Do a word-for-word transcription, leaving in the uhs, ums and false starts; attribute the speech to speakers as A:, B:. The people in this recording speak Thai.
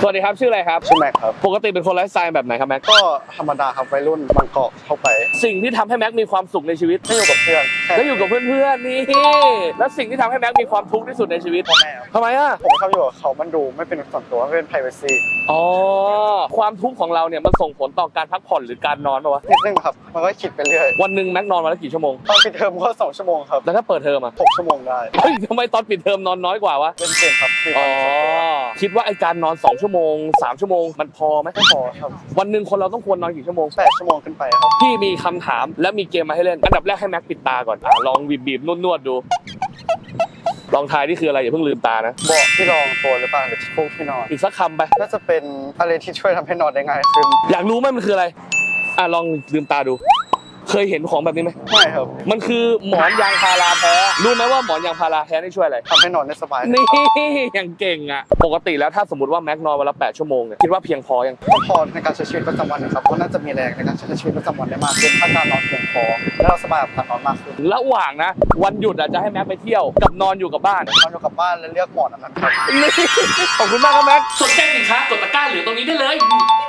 A: สวัสดีครับชื่ออะไรครับ
B: ชื่อแม็กครับ
A: ปกติเป็นคนไลฟ์สไตล์แบบไหนครับแม็ก
B: ก็ธรรมดาครับวัยรุ่นบางกอกเข้าไป
A: สิ่งที่ทำให้แม็กมีความสุขในชีวิต
B: ได้อยู่กับเพื่อน
A: ได้อยู่กับเพื่อนๆนี่แล้วสิ่งที่ทำให้แม็กมีความทุกข์ที่สุดในชีวิต
B: พ่อแม่
A: ทำไมอ่ะ
B: ผมชอบอยู่กับเขามันดูไม่เป็นส่วนตัวไม่เป็น privacy
A: อ๋อความทุกข์ของเราเนี่ยมันส่งผลต่อการพักผ่อนหรือการนอนป่าวะ
B: นิดนึงครับมันก็คิดไปเรื่อย
A: วันหนึ่งแม็กนอนวันละกี่ชั่วโมง
B: ตอนปิดเทอมก็สองชั่วโมงครับ
A: แล้วถ้าเปิดเทอมอ่ะ
B: หกชั่วโมงได้
A: เฮ้ยทำไมตอนปิดเทอมนอนน้อยกว่าวะ
B: เล่นเกมครับ
A: อ๋อคิดว่าไอการนอนสองชั่วโมงสามชั่วโมงมันพอไหม
B: ไม่พอครับ
A: วันหนึ่งคนเราต้องควรนอนกี่ชั่วโมง
B: แปดชั่วโมงขึ้นไปครับ
A: พี่มีคำถามและมีเกมมาให้เล่นอันดับแรกให้แม็กปิดตาก่อนอ่ะลองบีบบีบนวดๆดูลองทายนี่คืออะไรอย่าเพิ่งลืมตานะ
B: เบาะที่รองตัวหรือเปล่าหรือที่ฟูกที่นอน
A: อีกสักคำไป
B: น่าจะเป็นอะไรที่ช่วยทำให้นอนได้ง่ายขึ้น
A: อยากรู้ไหมมันคืออะไรอ่ะลองลืมตาดูเคยเห็นของแบบนี้ไหม
B: ไม่ครับ
A: มันคือหมอนยางพาราแท้รู้ไหมว่าหมอนยางพาราแท้นี่ช่วยอะไร
B: ทำให้นอนได้สบาย
A: นี่ยังเก่งอ่ะปกติแล้วถ้าสมมติว่าแม็กนอนวันละแปดชั่วโมงเนี่ยคิดว่าเพียงพอยัง
B: ก็พอในการใช้ชีวิตประจำวันนะครับก็น่าจะมีแรงในการใช้ชีวิตประจำวันได้มากขึ้นถ้าการนอนเพียงพอและเราสบายกับการนอนมากขึ้น
A: ระหว่างนะวันหยุดอาจจะให้แม็กไปเที่ยวกับนอนอยู่กับบ้าน
B: นอนอยู่กับบ้านและเลือกหมอนอันนั้นครับ
A: ขอบคุณมากครับแม็กสนใจสินค้ากดตะกร้าเหลือตรงนี้ได้เลย